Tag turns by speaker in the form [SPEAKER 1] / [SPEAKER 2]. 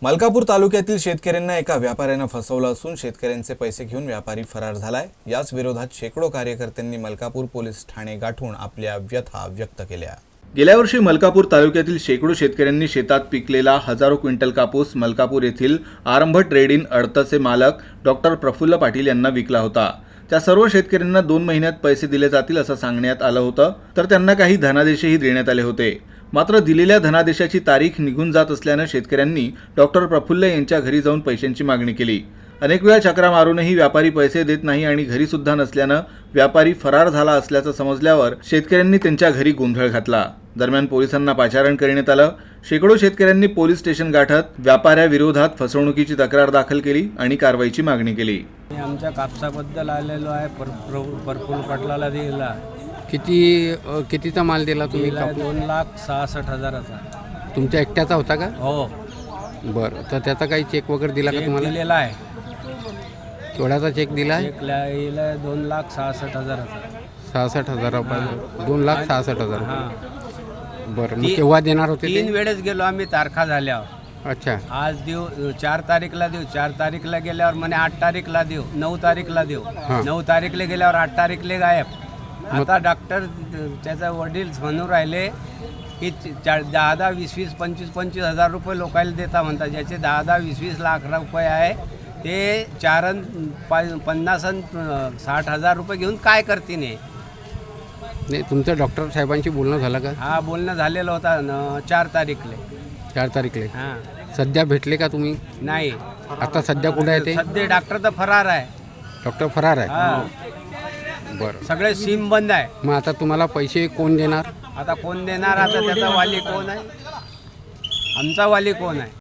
[SPEAKER 1] मलकापूर तालुक्यातील शेतकऱ्यांना एका व्यापाऱ्यानं फसवलं असून शेतकऱ्यांचे पैसे घेऊन व्यापारी फरार झालाय। याच विरोधात शेकडो कार्यकर्त्यांनी मलकापूर पोलीस ठाणे गाठून आपल्या व्यथा व्यक्त केल्या। गेल्या वर्षी मलकापूर तालुक्यातील शेकडो शेतकऱ्यांनी शेतात पिकलेला हजारो क्विंटल कापूस मलकापूर येथील आरंभ ट्रेडिंग अडतचे मालक डॉक्टर प्रफुल्ल पाटील यांना विकला होता। त्या सर्व शेतकऱ्यांना 2 महिन्यात पैसे दिले जातील असं सांगण्यात आलं होतं, तर त्यांना काही धनादेशही देण्यात आले होते। मात्र दिलेल्या धनादेशाची तारीख निघून जात असल्यानं शेतकऱ्यांनी डॉक्टर प्रफुल्ल यांच्या घरी जाऊन पैशांची मागणी केली। अनेक वेळा चक्रा मारूनही व्यापारी पैसे देत नाही आणि घरी सुद्धा नसल्यानं व्यापारी फरार झाला असल्याचं समजल्यावर शेतकऱ्यांनी त्यांच्या घरी गोंधळ घातला। दरम्यान पोलिसांना पाचारण करण्यात आलं। शेकडो शेतकऱ्यांनी पोलीस स्टेशन गाठत व्यापाऱ्याविरोधात फसवणुकीची तक्रार दाखल केली आणि कारवाईची मागणी केली।
[SPEAKER 2] आमच्या कापसाबद्दल आलेलो आहे, प्रफुल्ल पाटलाला दिला।
[SPEAKER 3] कितीचा माल दिला तुम्ही?
[SPEAKER 2] 2,66,000चा।
[SPEAKER 3] तुमच्या एकट्याचा होता का?
[SPEAKER 2] हो।
[SPEAKER 3] बरं, तर त्याचा काही चेक वगैरे दिला का तुम्हाला?
[SPEAKER 2] दिलेला आहे।
[SPEAKER 3] केवढ्याचा चेक दिला आहे?
[SPEAKER 2] चेक लिहिला 2,66,000चा।
[SPEAKER 3] 66,000 रुपये। 2,66,000।
[SPEAKER 2] हां।
[SPEAKER 3] बरं, मग केव्हा देणार होते?
[SPEAKER 2] 3 वेळेस गेलो आम्ही तारखा झाल्यावर।
[SPEAKER 3] अच्छा।
[SPEAKER 2] आज देऊ, 4 तारीखला देऊ, 4 तारीखला गेल्यावर म्हणे 8 तारीखला देऊ, 9 तारीखला देऊ, 9 तारीखला गेल्यावर 8 तारीखला गायब। आता डॉक्टर त्याचा वडील म्हणून राहिले की 10, 20, 25 हजार रुपये लोकांना देता म्हणतात, ज्याचे 10, 20 लाख रुपये आहे ते 4, 50 आणि 60,000 रुपये घेऊन काय करतील?
[SPEAKER 3] नाही, तुमचं डॉक्टर साहेबांशी बोलणं झालं का?
[SPEAKER 2] हा, बोलणं झालेलं होता 4 तारीखले।
[SPEAKER 3] 4 तारीखला?
[SPEAKER 2] हां।
[SPEAKER 3] सध्या भेटले का तुम्ही?
[SPEAKER 2] नाही।
[SPEAKER 3] आता सध्या कुठे आहे ते?
[SPEAKER 2] सध्या डॉक्टर तर फरार आहे।
[SPEAKER 3] डॉक्टर फरार आहे?
[SPEAKER 2] हां।
[SPEAKER 3] बरं,
[SPEAKER 2] सगळे सिम बंद आहे।
[SPEAKER 3] मग आता तुम्हाला पैसे कोण देणार?
[SPEAKER 2] आता कोण देणार? आता त्याचा वाली कोण आहे? आमचा वाली कोण आहे?